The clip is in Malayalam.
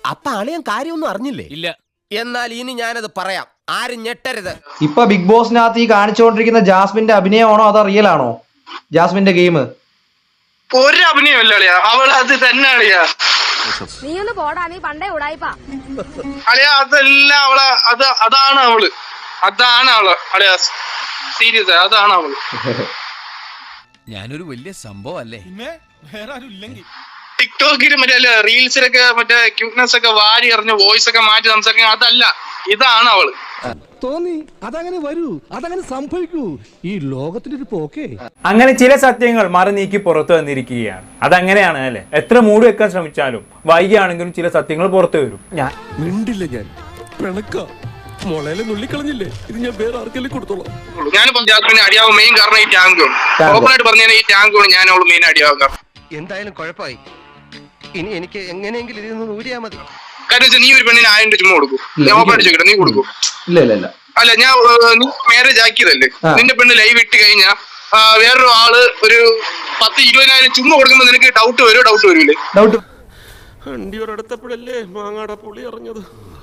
അപ്പൊ അളിയൻ കാര്യമൊന്നും അറിഞ്ഞില്ലേ? ഇല്ല. എന്നാൽ ഇനി ഞാനത് പറയാം, ആരും ഞെട്ടരുത്. ഇപ്പൊ ബിഗ് ബോസിനകത്ത് ഈ കാണിച്ചുകൊണ്ടിരിക്കുന്ന ജാസ്മിന്റെ അഭിനയമാണോ അതോ റിയൽ ആണോ? ജാസ്മിന്റെ ഗെയിം ഒരു അഭിനയമല്ല അളിയാ, അവൾ അത് തന്നെ അളിയാ. നീ ഒന്ന് പോടാ, നീ പണ്ടേ ഉടായിപ്പാ അളിയാ. അതെല്ലാം അവളെ, അതാണ് അവള് അളിയാ. സീരിയസ്, അതാണ് അവള്. ഞാനൊരു വലിയ സംഭവം അല്ലേ? ടിക്ടോക്കിൽ മറ്റേ റീൽസിലൊക്കെ മറ്റേ ക്യൂട്ട്നെസ് ഒക്കെ വാരി എറിഞ്ഞ് വോയിസ് ഒക്കെ മാറ്റി സംസാരിക്കുക, അതല്ല, ഇതാണ് അവള്. തോന്നി അതങ്ങനെ വരൂ, അതങ്ങനെ സംഭവിക്കൂ, ഈ ലോകത്തിന്റെ ഒരു പോക്കേ. അങ്ങനെ ചില സത്യങ്ങൾ മറ നീക്കി പുറത്തു വന്നിരിക്കുകയാണ്. അതങ്ങനെയാണ് അല്ലെ? എത്ര മൂടി വെക്കാൻ ശ്രമിച്ചാലും വൈകിയാണെങ്കിലും ചില സത്യങ്ങൾ പുറത്തു വരും. ഞാൻ മിണ്ടില്ല, ഞാൻ പിണക്ക മുളയിലെ നുള്ളിക്കളഞ്ഞില്ലേ, ഇത് ഞാൻ വേറെ ആർക്കെല്ലാം കൊടുത്തോളാം. ഞാനിപ്പോ ജാസ്മിനെ അടിയാവും മെയിൻ കാരണം ഈ ടാങ്കാണ്. ഓപ്പണായിട്ട് പറഞ്ഞാൽ ഈ ടാങ്കാണ് ഞാൻ അവള് മെയിൻ അടിയാവും കാരണം. എന്തായാലും കുഴപ്പമായി. ഇനി എനിക്ക് എങ്ങനെയെങ്കിലും ഇതിൽ നിന്ന് ഊരിയാ മതി. കാരണം വെച്ചാൽ നീ ഒരു പെണ്ണിന് 1000 രൂപ ചുമ്മാ കൊടുക്കും, ഞാൻ ഓപ്പണായിട്ട് ചോദിക്കട്ടെ, നീ കൊടുക്കും? ഇല്ല. അല്ല, നീ മാരേജ് ആക്കിയതല്ലേ, നിന്റെ പെണ്ണ് ലൈവ് ഇട്ട് കഴിഞ്ഞാ വേറൊരു ആള് ഒരു 10-20,000 ചുമ്മാ കൊടുക്കുമ്പോ നിനക്ക് ഡൗട്ട് വരില്ലേ? വണ്ടി ഒരിടത്തപ്പോഴല്ലേ മാങ്ങാട പുളി അറിഞ്ഞത്.